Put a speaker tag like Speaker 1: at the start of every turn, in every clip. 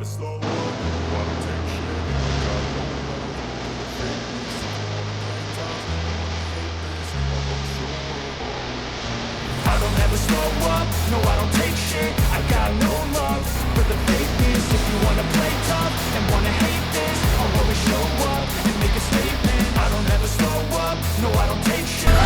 Speaker 1: I don't ever slow up, no I don't take shit. I got no love for the fakeness. If you wanna play tough and wanna hate this, I'll always show up and make a statement. I don't ever slow up, no I don't take shit.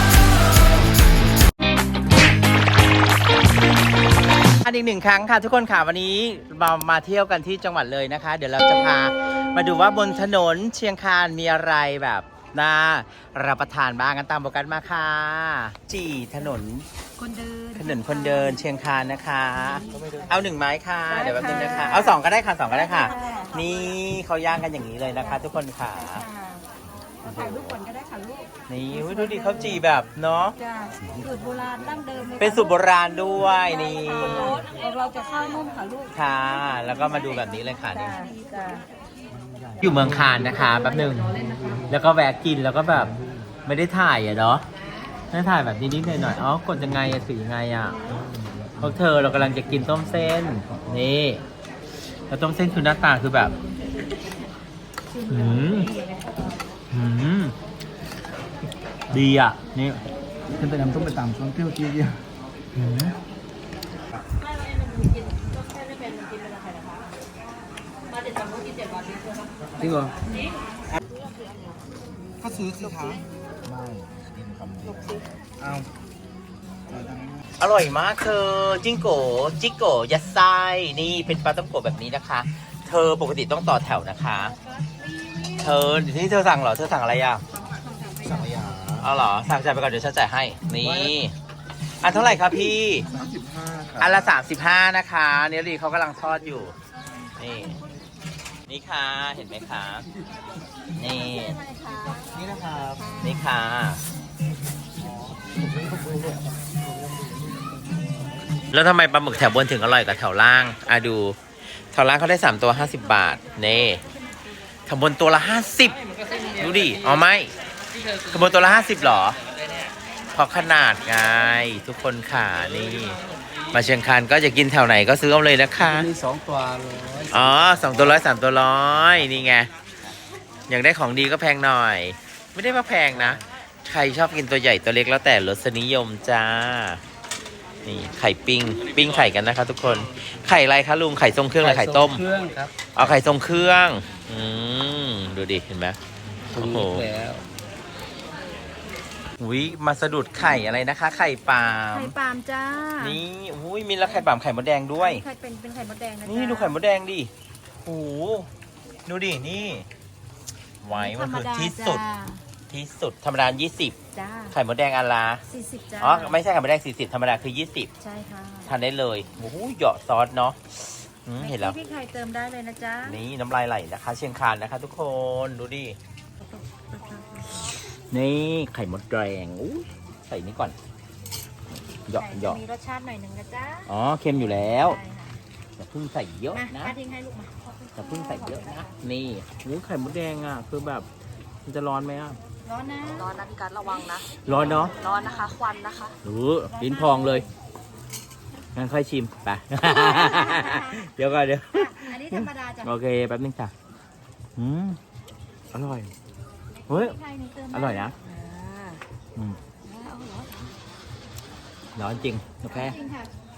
Speaker 2: อีกหนึ่งครั้งค่ะทุกคนค่ะวันนี้มาเที่ยวกันที่จังหวัดเลยนะคะเดี๋ยวเราจะพามาดูว่าบนถนนเชียงคานมีอะไรแบบน่ารับประทานบ้างกันตามโปรแกรมมาค่ะจีถนนคนเดินเชียงคานนะคะเอา1ไม้ค่ะเดี๋ยวแป๊บนึงนะคะเอา2ก็ได้ค่ะ2ก็ได้ค่ะนี่เขาย่างกันอย่างนี้เลยนะคะทุกคนค่ะ
Speaker 3: ถ่ายรูปก่อนก็ได้ค่ะลูก
Speaker 2: นี่ดูดิเขาจีแบบเนาะ
Speaker 3: สูตรโบราณดั้งเดิม
Speaker 2: เป็นสูตรโบราณด้วยนี่
Speaker 3: เราจะข้าวนุ่มค่ะลูก
Speaker 2: ค่ะแล้วก็มาดูแบบนี้เลยค่ะนี่อยู่เมืองคานนะคะแป๊บนึงแล้วก็แวะกินแล้วก็แบบไม่ได้ถ่ายอ่ะเนาะไม่ถ่ายแบบนิดๆหน่อยๆอ๋อกดยังไงอะถือยังไงอะพวกเธอเรากำลังจะกินต้มเส้นนี่แล้วต้มเส้นคือหน้าตาคือแบบดีอ่ะนี่
Speaker 4: ขึ้นไปน้ำต้มไปตามช่วงเที่ยวที่เดียวจริงเหรอก็ซื้อสิคะไม่กินคำนี้เอา
Speaker 2: อร่อยมากเธอจิโกยัดไส้นี่เป็นปลาต้มโกแบบนี้นะคะ เธอปกติต้องต่อแถวนะคะเธอที่เธอสั่งเหรอเธอสั่งอะไรอ่ะ
Speaker 4: สั่งอะไรอ่ะ
Speaker 2: เอาเหรอสั่งจ่ายไปก่อนเดี๋ยวฉันจ่ายให้นี่อันเท่าไหร่ครับพี่
Speaker 4: 35ครับ
Speaker 2: อันละ35นะคะเนลลี่เขากำลังทอดอยู่นี่ค่ะเห็นไหมคะนี่
Speaker 4: นะครับ
Speaker 2: นี่ค่ะแล้วทำไมปลาหมึกแถวบนถึงอร่อยกว่าแถวล่างดูแถวล่างเขาได้3ตัว50 บาทนี่แถวบนตัวละ50ดูดิอ๋อไม่แถวบนตัวละ50หรอเพราะขนาดไงทุกคนค่ะนี่มาเชียงคานก็จะกินแถวไหนก็ซื้อเอาเลยนะคะ
Speaker 4: มี2ตัว100
Speaker 2: อ๋อ2ตัว100 3ตัว100นี่ไงอยากได้ของดีก็แพงหน่อยไม่ได้ว่าแพงนะใครชอบกินตัวใหญ่ตัวเล็กแล้วแต่รสนิยมจ้านี่ไข่ปิ้งไข่กันนะคะทุกคนไข่อะไรคะลุงไข่ทรงเครื่องหรือไข่ต้ม
Speaker 4: เครื่องครับ
Speaker 2: เอาไข่ทรงเครื่องดูดิเห็นไหมโอ้โหอุ้ยมาสะดุดไข่อะไรนะคะไข่ปาล์ม
Speaker 3: จ้า
Speaker 2: นี่อุ้ยมีแล้วไข่ปาล์มไข่มดแดงด้วย
Speaker 3: เป็นไข่มดแดงนะ
Speaker 2: นี่ดูไข่มดแดงดิโอ้ดูดินี่ไว้มันคือที่สุดธรรมดา20
Speaker 3: จ้า
Speaker 2: ไข่มดแดงอันละ
Speaker 3: 40จ้า
Speaker 2: อ๋อไม่ใช่ไข่มดแดง40ธรรมดาคือ20
Speaker 3: ใช่ค่ะ
Speaker 2: ทานได้เลยโอ้โหเหยาะซอสเนาะเห็นแล้ว
Speaker 3: พี่ไข่เติมได้เลยนะจ๊ะ
Speaker 2: นี่น้ำลายไหลนะคะเชียงคานนะคะทุกคนดูดินี่ไข่มดแดงใส่นี่ก่อนเหยาะ
Speaker 3: มีรสชาติหน่อยหนึ่งนะจ๊ะ
Speaker 2: อ๋อเค็มอยู่แล้วอย่าเพิ่งใส่เยอะนะ
Speaker 3: ทิ้งให้ลูกมา
Speaker 2: อย่าเพิ่งใส่เยอะนะนี่ไข่มดแดงอ่ะคือแบบมันจะร้อนไหมอ่ะ
Speaker 3: ร้อนนะพี่กัดระวังนะ
Speaker 2: ร้อนเนาะ
Speaker 3: ร้อนนะคะควันนะคะ
Speaker 2: ลิ้นพองเลยงั้นค่อยชิมไปเดี๋ยวก่อน
Speaker 3: อันนี้ธรรมดาจ้ะ
Speaker 2: โอเคแป๊บนึงจ้ะอร่อยเฮ้ยอร่อยนะร้อนจริงโอเค